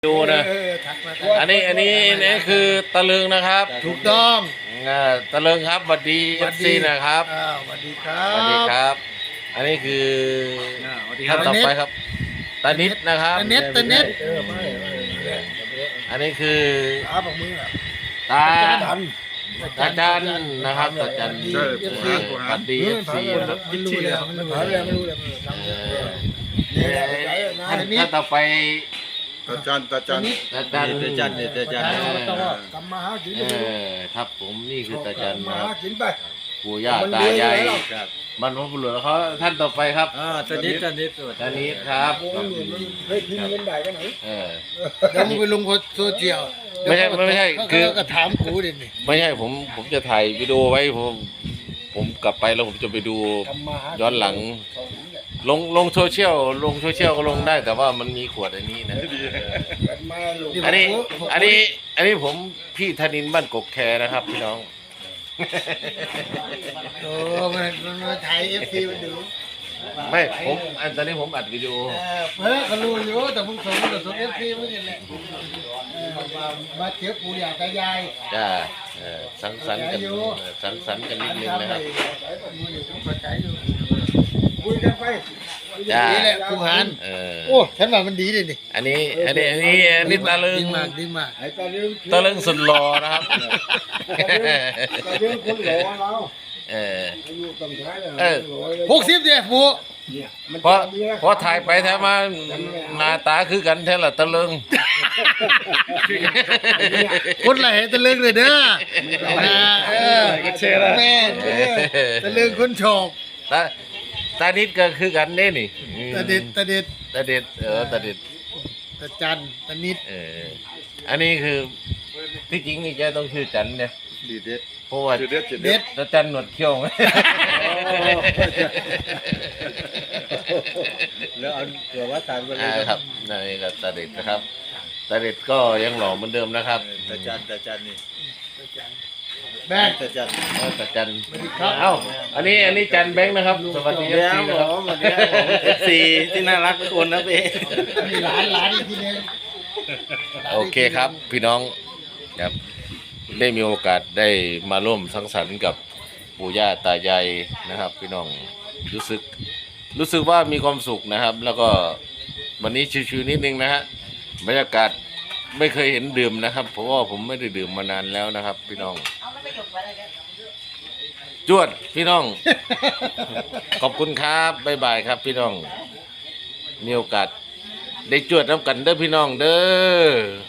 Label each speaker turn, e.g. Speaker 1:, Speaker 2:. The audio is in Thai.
Speaker 1: ดูนะอันนี้คือตะลึงนะครับ
Speaker 2: ถูกต้อง
Speaker 1: ตะลึงครับสวัสดีเอฟซีนะครับ
Speaker 2: สวัสดีครั
Speaker 1: สวัสดี
Speaker 2: บ
Speaker 1: ครับ อันนี้คือ
Speaker 2: ครั
Speaker 1: ท่า
Speaker 2: บ
Speaker 1: นต่อไปครับตานิดนะครับ
Speaker 2: ตะเน็ตตะเน็ต
Speaker 1: อันนี้คือ
Speaker 2: ขาบอกมือ
Speaker 1: ตาจันนะครับตาจันสวัสดีเอฟซีครับ
Speaker 2: ไม่รู้เลยไม่รู้เลย
Speaker 1: ท่านต่อไป
Speaker 3: ตาจัน
Speaker 1: ตาจัน
Speaker 2: ทำมาหากิน
Speaker 1: ครับผมนี่คือตาจัน
Speaker 2: มา
Speaker 1: นะค
Speaker 2: หา
Speaker 1: รับ
Speaker 2: กินไป
Speaker 1: ปู่ย่าตายายบรรพบุรุษเขาท่านต่อไปครับ
Speaker 4: ตอนนี้
Speaker 1: ตานิดครับ
Speaker 2: เฮ้ยพิมพ์เงินได้กันไหน
Speaker 1: เออ
Speaker 2: เดี๋ยวมึงไปลงโซเชียล
Speaker 1: ไม่ใช่คือ
Speaker 2: ก็ถามกูดินี่
Speaker 1: ไม่ใช่ผมจะถ่ายวิดีโอไว้ผมกลับไปแล้วผมจะไปดูย้อนหลัง ลงโซเชียลก็ลงได้แต่ว่ามันมีขวดอันนี้นะอันนี้ผมพี่ธนินทร์บ้านกกแคนะครับพี่น้อง
Speaker 2: โอ้มันมาถ่ายเอฟซีมันดู
Speaker 1: ไม่ผมตอนนี้ผมอัดวิดีโอ
Speaker 2: เขารู้อยู่แต่มึงส่งเอฟซีมันนี่แหละมาเจอปู่ย่าตายาย
Speaker 1: จ้าสังสรรค์กันนิดนึงนะครับ
Speaker 2: คุยกันไป
Speaker 1: จ้า
Speaker 2: นี่แหละกูหัน โอ้ฉันว่ามันดีเลยนี่
Speaker 1: อันนี้ตะลึง
Speaker 2: ดีมาก
Speaker 1: ตะลึงสุดหล่อนะครับ
Speaker 2: คนหล่อเรา 60เดียปู่
Speaker 1: เพราะถ่ายไปถ่ายมาหน้าตาคือกันแท้ละตะลึง
Speaker 2: คนไหลตะลึงเลยเด้อแม่ตะลึงคนโฉบ
Speaker 1: ตานิดก็คือกันเด้นี่
Speaker 2: ตะเด็ด
Speaker 1: ตาเด็ดตาเด็ด
Speaker 2: ตะจันตะนิด
Speaker 1: อันนี้คือที่จริงนี่แกต้องชื่อจันเนี่ย
Speaker 3: ดีเด็ด
Speaker 1: เพราะว่า
Speaker 3: จุดเด็ด
Speaker 2: เด็ด
Speaker 1: ตาจันหนวดเขี้ยวไหม
Speaker 4: แล้วเอาเกลือวัดสารไปเลย
Speaker 1: ครับนี่ก็ตาเด็ดนะครับตาเด็ดก็ยังหล่อเหมือนเดิมนะครับ
Speaker 4: ตาจันนี่
Speaker 2: แบง
Speaker 4: ตาจัน
Speaker 1: ตาจันเอ้าอันนี้จันแบงค์นะครับสวัสดีครับ
Speaker 4: FC ที่น่ารักทุกคนนะพี่
Speaker 2: มีหลานอีกทีนึง
Speaker 1: โอเคครับพี่น้องครับได้มีโอกาสได้มาร่วมสังสรรค์กับปู่ย่าตายายนะครับ พี่น้องรู้สึกว่ามีความสุขนะครับ แล้วก็วันนี้ชิวๆนิดนึงนะฮะบรรยากาศไม่เคยเห็นดื่มนะครับเพราะว่าผมไม่ได้ดื่มมานานแล้วนะครับ พี่น้องจวดพี่น้อง ขอบคุณครับบ๊ายบายครับ พี่น้องมีโอกาสได้จวดน้ำกันเด้อพี่น้องเด้อ